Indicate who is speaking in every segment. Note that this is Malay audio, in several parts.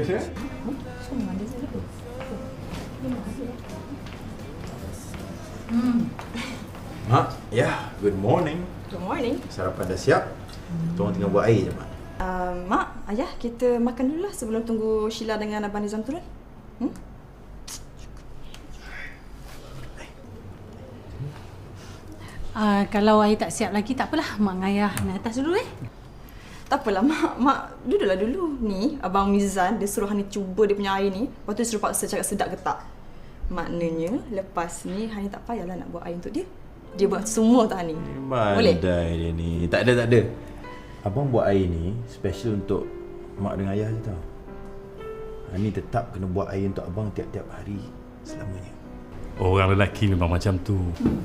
Speaker 1: saya? Mak, ya, good morning.
Speaker 2: Good morning.
Speaker 1: Sarapan dah siap. Tolong tinggal buat air je, Mak.
Speaker 2: Mak, Ayah, kita makan dulu lah sebelum tunggu Sheila dengan Abang Nizam turun.
Speaker 3: Kalau Ayah tak siap lagi, tak apalah. Mak dengan Ayah naik atas dulu
Speaker 2: Tak apalah, Mak duduklah dulu. Ni, Abang Mizan, dia suruh Hani cuba dia punya air ni. Lepas tu dia suruh paksa cakap sedap ke tak. Maknanya, lepas ni Hani tak payahlah nak buat air untuk dia. Dia buat semua tak Hani. Boleh?
Speaker 1: Pandai dia ni. Tak ada. Abang buat air ni special untuk mak dengan ayah je tau. Hani tetap kena buat air untuk abang tiap-tiap hari selamanya.
Speaker 4: Orang lelaki memang macam tu.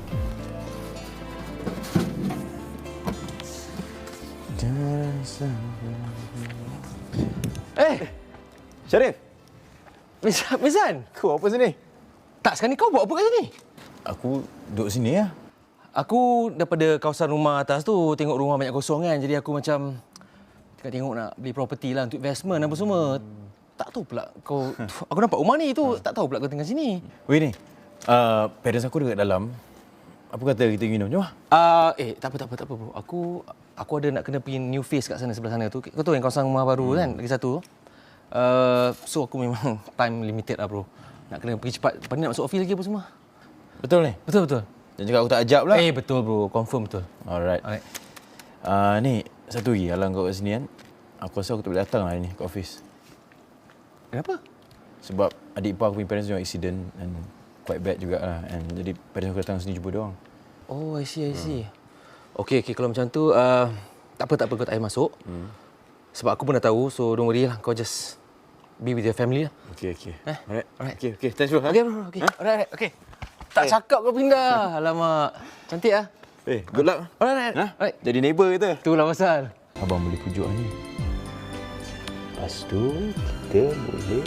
Speaker 5: Syarif! Mizan!
Speaker 1: Kau apa sini?
Speaker 5: Tak, sekarang ni kau buat apa kat sini?
Speaker 1: Aku duduk sini ya.
Speaker 5: Aku daripada kawasan rumah atas tu tengok rumah banyak kosong kan. Jadi aku macam tengok nak beli property lah untuk investment apa semua. Tak tahu pula kau... Aku nampak rumah ni tu. Tak tahu pula kau tinggal sini.
Speaker 1: Weh ni, parents aku dekat dalam. Apa kata kita minum? Jom lah.
Speaker 5: Tak apa bro. Aku ada nak kena pergi new face kat sana sebelah sana tu. Kau tahu yang kawasan rumah baru kan? Lagi satu. So aku memang time limited lah bro. Nak kena pergi cepat. Lepas ni nak masuk office lagi apa semua.
Speaker 1: Betul ni?
Speaker 5: Betul.
Speaker 1: Jangan cakap aku tak ajak pula.
Speaker 5: Betul bro. Confirm betul.
Speaker 1: Alright. Ni, satu lagi halang kau kat sini kan. Aku rasa aku tak boleh datang lah hari ni ke office.
Speaker 5: Kenapa?
Speaker 1: Sebab adik ipar aku punya parents tengok accident and quite bad jugalah. And jadi parents aku datang sini jumpa dia orang.
Speaker 5: Oh, I see. Okey, kalau macam tu, tak apa, kau tak payah masuk. Sebab aku pun dah tahu, so don't worry lah. Kau just be with your family lah.
Speaker 1: Okay.
Speaker 5: Alright.
Speaker 1: Okay. Thanks bro.
Speaker 5: Okay, bro. Okay. Alright. Okay. Tak cakap kau pindah. Alamak. Cantik ah.
Speaker 1: Good luck.
Speaker 5: Alright. Alright.
Speaker 1: Jadi neighbour kita.
Speaker 5: Itulah pasal.
Speaker 1: Abang boleh pujuk ni. Lepas tu, kita boleh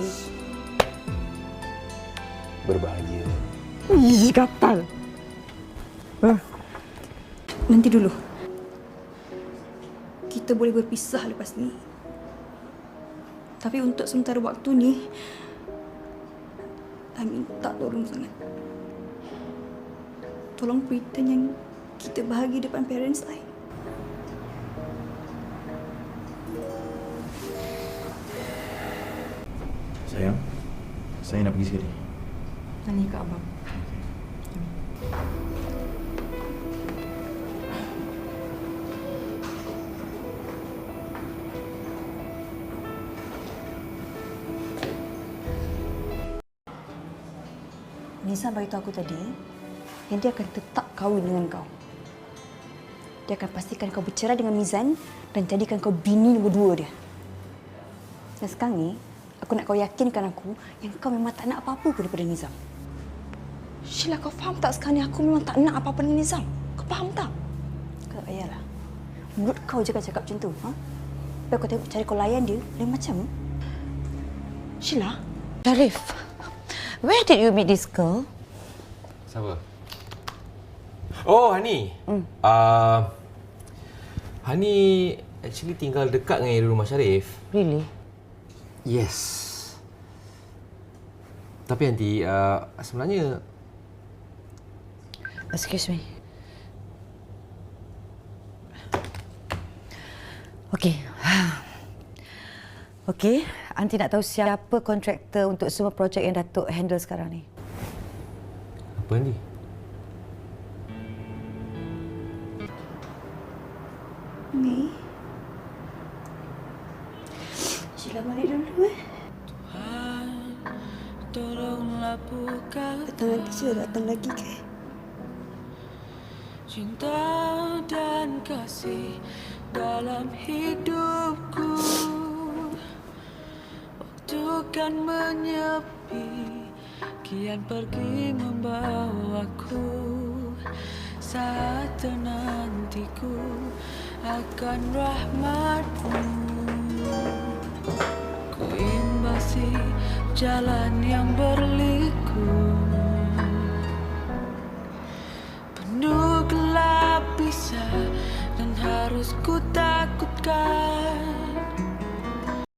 Speaker 1: berbahagia.
Speaker 2: Ih, gatal. Nanti dulu. Kita boleh berpisah lepas ni. Tapi untuk sementara waktu ni, I minta tolong sangat. Tolong pretend yang kita bahagia depan parents I.
Speaker 1: Sayang, saya nak pergi sekali.
Speaker 2: Tanya kat abang. Nizam beritahu aku tadi yang dia akan tetap kahwin dengan kau. Dia akan pastikan kau bercerai dengan Mizan dan jadikan kau bini nombor 2 dia. Dan sekarang ni, aku nak kau yakinkan aku yang kau memang tak nak apa-apa pun daripada Nizam. Sheila, kau faham tak sekarang ni aku memang tak nak apa-apa dengan Nizam? Kau faham tak? Kau tak payahlah. Mulut kau je kan cakap macam tu. Tapi kau tengok cara kau layan dia, lain macam. Sheila?
Speaker 6: Syarif, where did you meet this girl?
Speaker 5: Siapa? Oh, Hani. Hani actually tinggal dekat dengan rumah Syarif.
Speaker 6: Really?
Speaker 5: Yes. Tapi nanti sebenarnya...
Speaker 6: Excuse me. Okey, Aunty nak tahu siapa kontraktor untuk semua projek yang Datuk handle sekarang ni.
Speaker 5: Apa Andi?
Speaker 2: Ni. Sheila balik dulu Datang lagi je, datang lagi ke?
Speaker 7: Cinta dan kasih dalam hidupku, waktu kan menyepi, kian pergi membawaku. Saat nantiku akan rahmatmu, ku imbasi jalan yang berliku, penuh gelap bisa dan harus ku